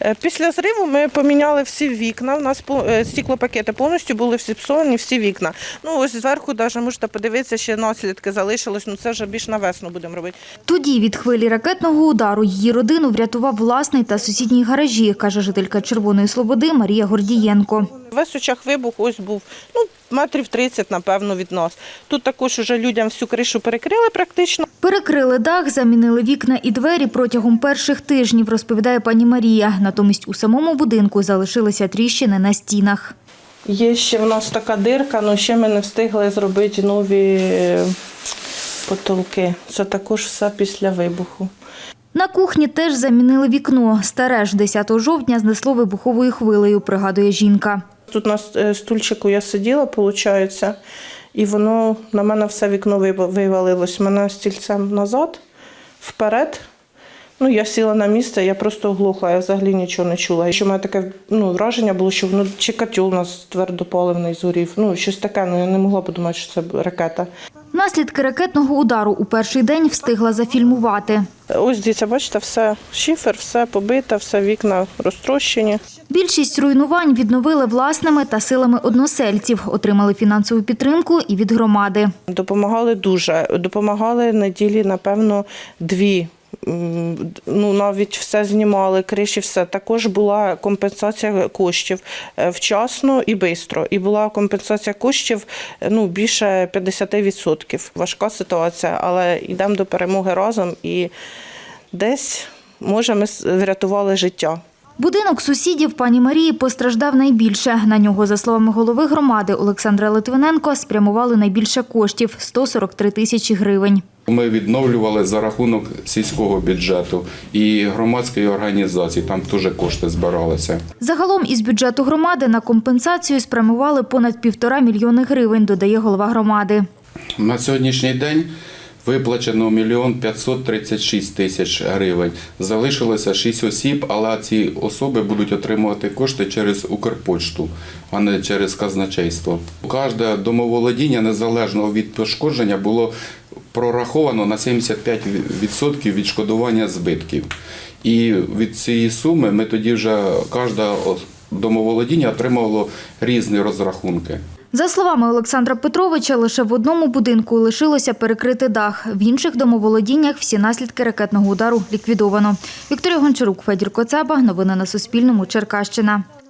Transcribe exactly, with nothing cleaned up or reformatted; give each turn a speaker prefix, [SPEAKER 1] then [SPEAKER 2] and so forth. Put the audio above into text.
[SPEAKER 1] Після зриву ми поміняли всі вікна, у нас стеклопакети повністю були всі псовані, всі вікна. Ну ось зверху навіть можете подивитися, ще наслідки залишилось, ну це вже більш на весну будемо робити.
[SPEAKER 2] Тоді від хвилі ракетного удару її родину врятував власний та сусідній гаражі, каже жителька Червоної Слободи Марія Гордієнко.
[SPEAKER 1] Весь очах вибух ось був, ну, метрів тридцять, напевно, від нас. Тут також уже людям всю кришу перекрили практично.
[SPEAKER 2] Перекрили дах, замінили вікна і двері протягом перших тижнів, розповідає пані Марія. Натомість у самому будинку залишилися тріщини на стінах.
[SPEAKER 1] Є ще в нас така дирка, але ще ми не встигли зробити нові потолки. Це також все після вибуху.
[SPEAKER 2] На кухні теж замінили вікно. Старе ж десятого жовтня знесло вибуховою хвилею, пригадує жінка.
[SPEAKER 1] Тут на стульчику я сиділа, виходить, і воно на мене все вікно вивалилось. Мене стільцем назад, вперед. Ну, я сіла на місце, я просто оглухла, я взагалі нічого не чула. Що в мене таке ну, враження було, що ну, чи котел у нас твердопаливний згорів. Ну, щось таке, ну, я не могла подумати, що це ракета.
[SPEAKER 2] Наслідки ракетного удару у перший день встигла зафільмувати.
[SPEAKER 1] Ось, дивіться, бачите, все шифер, все побите, все вікна розтрощені.
[SPEAKER 2] Більшість руйнувань відновили власними та силами односельців. Отримали фінансову підтримку і від громади.
[SPEAKER 1] Допомагали дуже. Допомагали неділі, напевно, дві. Ну, навіть все знімали, криші, все. Також була компенсація коштів вчасно і швидко. І була компенсація коштів ну, більше п'ятдесят відсотків. Важка ситуація, але йдемо до перемоги разом і десь, може, ми врятували життя.
[SPEAKER 2] Будинок сусідів пані Марії постраждав найбільше. На нього, за словами голови громади Олександра Литвиненко, спрямували найбільше коштів – сто сорок три тисячі гривень.
[SPEAKER 3] Ми відновлювали за рахунок сільського бюджету і громадської організації, там теж кошти збиралися.
[SPEAKER 2] Загалом із бюджету громади на компенсацію спрямували понад півтора мільйони гривень, додає голова громади.
[SPEAKER 3] На сьогоднішній день виплачено мільйон п'ятсот тридцять шість тисяч гривень. Залишилося шість осіб, але ці особи будуть отримувати кошти через Укрпошту, а не через казначейство. Кожне домоволодіння, незалежно від пошкодження, було прораховано на сімдесят п'ять відсотків відшкодування збитків. І від цієї суми ми тоді вже кожне домоволодіння отримувало різні розрахунки.
[SPEAKER 2] За словами Олександра Петровича, лише в одному будинку лишилося перекрити дах. В інших домоволодіннях всі наслідки ракетного удару ліквідовано. Вікторія Гончарук, Федір Коцаба. Новини на Суспільному. Черкащина.